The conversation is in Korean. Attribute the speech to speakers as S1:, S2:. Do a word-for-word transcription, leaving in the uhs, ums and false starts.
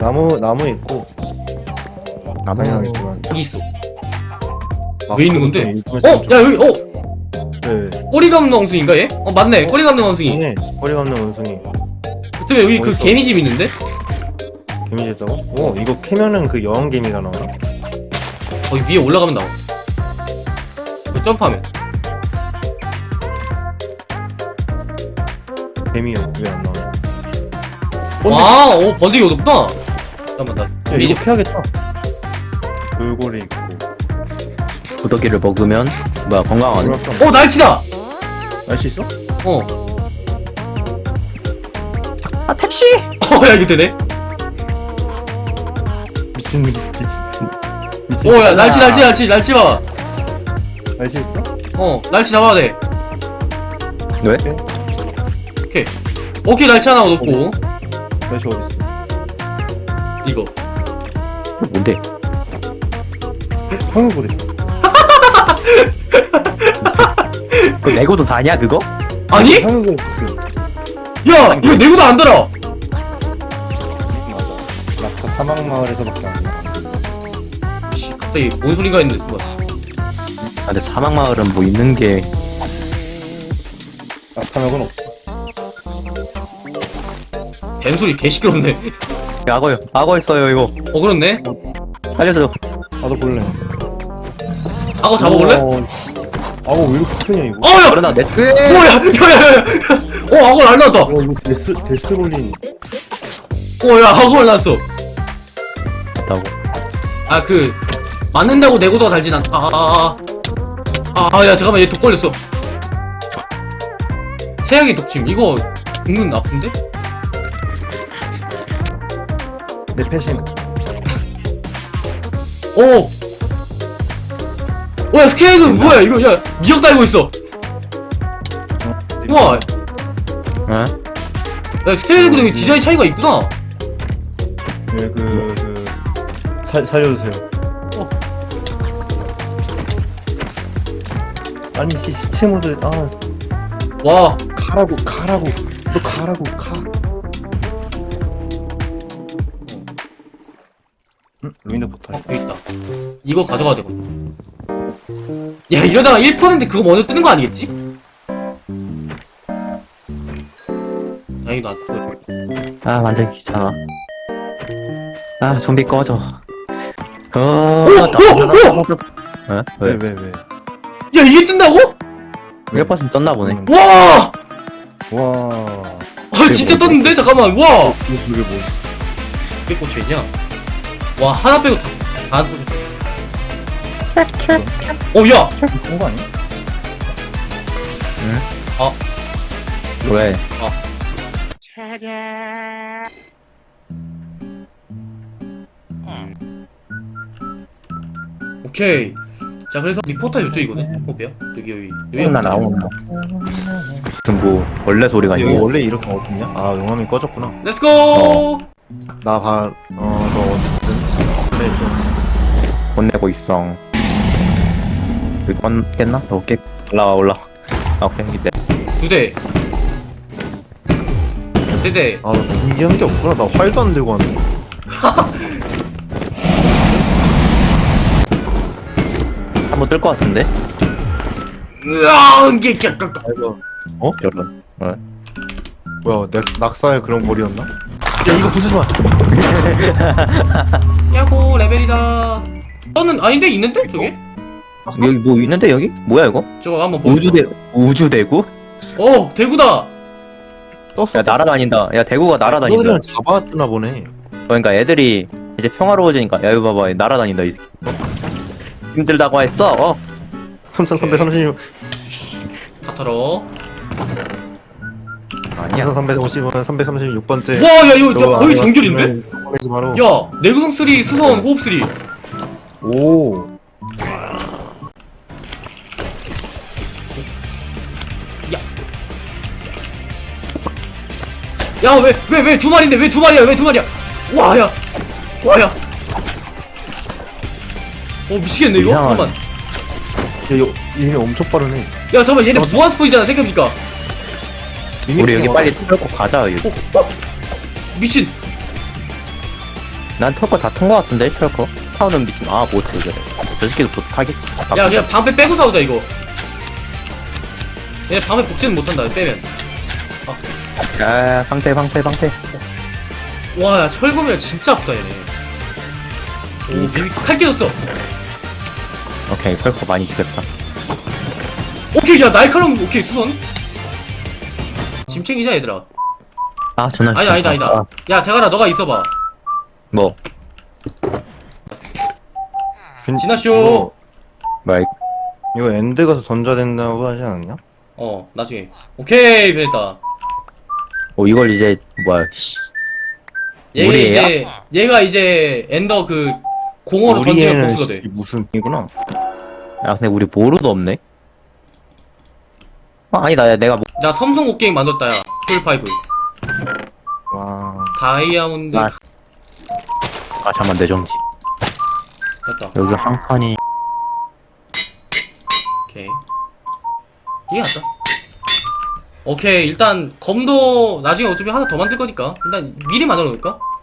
S1: 나무 나무 있고
S2: 나무
S3: 여기 있어.
S1: 아,
S3: 왜 있는 건데?
S1: 이쪽에서
S3: 어?
S1: 왼쪽.
S3: 야 여기 어?
S1: 네.
S3: 꼬리가 없는 원숭이인가 얘? 어 맞네 꼬리가 없는 원숭이.
S1: 네. 꼬리가 없는 원숭이.
S3: 그때 여기 그
S1: 어딨어?
S3: 개미집 있는데?
S1: 개미 됐다고? 오 이거 캐면은 그 여왕 개미가 나오나?
S3: 거기 위에 올라가면 나와. 여기 점프하면.
S1: 개미요 왜 안 나와?
S3: 와, 오 번데기 얻었구나. 잠깐만 나.
S1: 야
S3: 개미집.
S1: 이거 캐야겠다. 돌고래 있고.
S2: 구더기를 먹으면 뭐야 건강한.
S3: 어 날치다.
S1: 날씨 있어?
S3: 어.
S2: 아 택시.
S3: 어야 이거 되네.
S1: 미친 미친 미친.
S3: 오야 날치 날치 날치 날치 봐.
S1: 날씨 있어?
S3: 어 날치 잡아야 돼.
S2: 왜?
S1: 오케이.
S3: 오케이. 오케이 날치 하나 얻었고.
S1: 날씨 어디 있어?
S3: 이거.
S2: 뭔데?
S1: 황후고래.
S2: 그 레고도 다냐 그거?
S3: 아니?
S1: 황후고래 있어.
S3: 야 이거 내구도 안 달아.
S1: 맞아. 낙타 사막 마을에서밖에 안 나.
S3: 씨, 갑자기 뭔 소린가 했는데 뭐야?
S2: 아 근데 사막 마을은 뭐 있는 게
S1: 낙타막은 없어.
S3: 뱀 소리 개 시끄럽네.
S2: 악어요. 악어 있어요 이거.
S3: 어 그렇네.
S2: 살려줘.
S1: 나도 볼래.
S3: 악어 잡아볼래?
S1: 어, 악어 왜 이렇게 크냐 이거?
S3: 어야!
S2: 그러나 내
S3: 뭐야? 야야야야! 어 악어 날라왔다.
S1: 와 이거 데스 데스롤린.
S3: 어야 악어 날라왔어.
S2: 다고.
S3: 아 그 맞는다고 내구도가 달진 않. 아아아아. 아야 잠깐만 얘 독 걸렸어. 세약의 독침 이거 은근 아픈데?
S1: 내 패신.
S3: 오. 오야 스케이크 뭐야 이거 야 미역 달고 있어. 우와.
S2: 응?
S3: 야 스케이크도 여기 디자인 차이가 있구나.
S1: 네그그 살려주세요.
S3: 어.
S1: 아니 시 시체 모드 아
S3: 와.
S1: 가라고 가라고 너 가라고 가. 응? 루인드 포탈.
S3: 어, 여기 있다. 이거 가져가야 되거든. 야, 이러다가 일 퍼센트 그거 먼저 뜨는 거 아니겠지? 다행히도 안 뜨고.
S2: 아 완전 귀찮아. 아 좀비 꺼져. 어.
S3: 오!
S2: 어? 왜?
S1: 왜왜 왜?
S3: 야, 이게 뜬다고?
S2: 일 퍼센트 떴나 보네.
S1: 음.
S3: 와!
S1: 와.
S3: 아, 진짜 떴는데? 잠깐만, 와!
S1: 이게 그게 뭐?
S3: 몇 개 꽂혀있냐? 와, 하나 빼고 다, 다 꽂혔다. 어, 야!
S1: 그런 거 아니야?
S2: 왜?
S3: 오케이. 자, 그래서 리포터 이쪽이거든? 어, 뭐야? 여기, 여기. 여기.
S2: 나 나온다. 무슨 뭐 원래 소리가
S1: 이거
S2: 있고.
S1: 원래 이렇게 어둡냐? 아 용암이 꺼졌구나.
S3: 렛츠고!
S1: 나 봐. 어너 어딨든. 그래 좀.
S2: 혼내고 있어. 여기 깼나? 너 깨. 올라와 올라와. 아 오케이 이때.
S3: 두 대. 세 대.
S1: 아나 준비한 게 없구나. 나 활도 안 들고 왔네.
S2: 한번 뜰 것 같은데?
S3: 으아! 이게, 이게, 깍깍.
S1: 이거
S2: 어? 여러분. 어.
S1: 뭐야? 낙 낙사의 그런 거리였나? 야 이거 부수지 마.
S3: 야호 레벨이다. 저는 아닌데 있는데 저게?
S2: 여기 뭐 있는데 여기? 뭐야 이거?
S3: 저거 한번 보자.
S2: 우주대 우주대구?
S3: 어 대구다.
S1: 떴어.
S2: 야 날아다닌다. 야 대구가 날아다닌다.
S1: 너희들은 잡아왔나 보네.
S2: 그러니까 애들이 이제 평화로워지니까 야 이거 봐봐 날아다닌다 이 새끼. 힘들다고 했어. 어?
S1: 삼천삼백삼십육.
S3: 다 털어.
S2: 아니야.
S1: 삼천삼백오십은 삼백삼십육 번째.
S3: 와 야 이거 야, 거의 정결인데?
S1: 보내지 마로.
S3: 야 내구성 쓰 수선 호흡 쓰
S1: 오.
S3: 야 왜 왜 왜 두 마리인데 왜 두 마리야 왜 두 마리야? 와야 와야. 어 미치겠네 이거.
S2: 이상하네.
S3: 잠깐만.
S1: 야, 여, 얘네 엄청 빠르네.
S3: 야 잠깐만 얘네 무한 스포이잖아 생각해보니까.
S2: 우리 여기 빨리 뚫고 가자 여기.
S3: 어, 어? 미친.
S2: 난 털거 다 탄 거 같은데 털거. 타오는 미친 아 보트 그래. 저 새끼도 보트 타겠지.
S3: 야 그냥 방패 빼고 싸우자 이거. 얘 방패 복제는 못한다 빼면.
S2: 야 방패 방패 방패.
S3: 와, 야, 철검이랑 진짜 아프다, 얘네. 오, 비비, 칼 깨졌어.
S2: 오케이 털거 많이 죽였다.
S3: 오케이, 야, 날카로움, 오케이, 수선. 짐 챙기자, 얘들아.
S2: 아 전화.
S3: 아니다, 아니다, 아니다. 야, 대가라, 너가 있어봐.
S2: 뭐
S3: 진화쇼.
S2: 마이.
S1: 이거 엔드 가서 던져야 된다고 하지 않았냐?
S3: 어, 나중에. 오케이, 됐다.
S2: 어 이걸 이제 뭐야 씨.
S3: 얘가
S2: 우리애야?
S3: 이제, 얘가 이제, 엔더 그, 공허로 던지면
S1: 우리애는
S3: 보스가 돼.
S1: 씨, 무슨 이구나.
S2: 야 근데 우리 모루도 없네. 아 아니다 야 내가 뭐.
S3: 자, 삼성 옷게임 만들었다, 야. 폴파이브.
S1: 와.
S3: 다이아몬드.
S2: 아. 아 잠만 내 정지.
S3: 됐다.
S2: 여기 한 칸이.
S3: 오케이. 이게 낫다. 오케이, 일단, 검도 나중에 어차피 하나 더 만들 거니까. 일단, 미리 만들어 놓을까?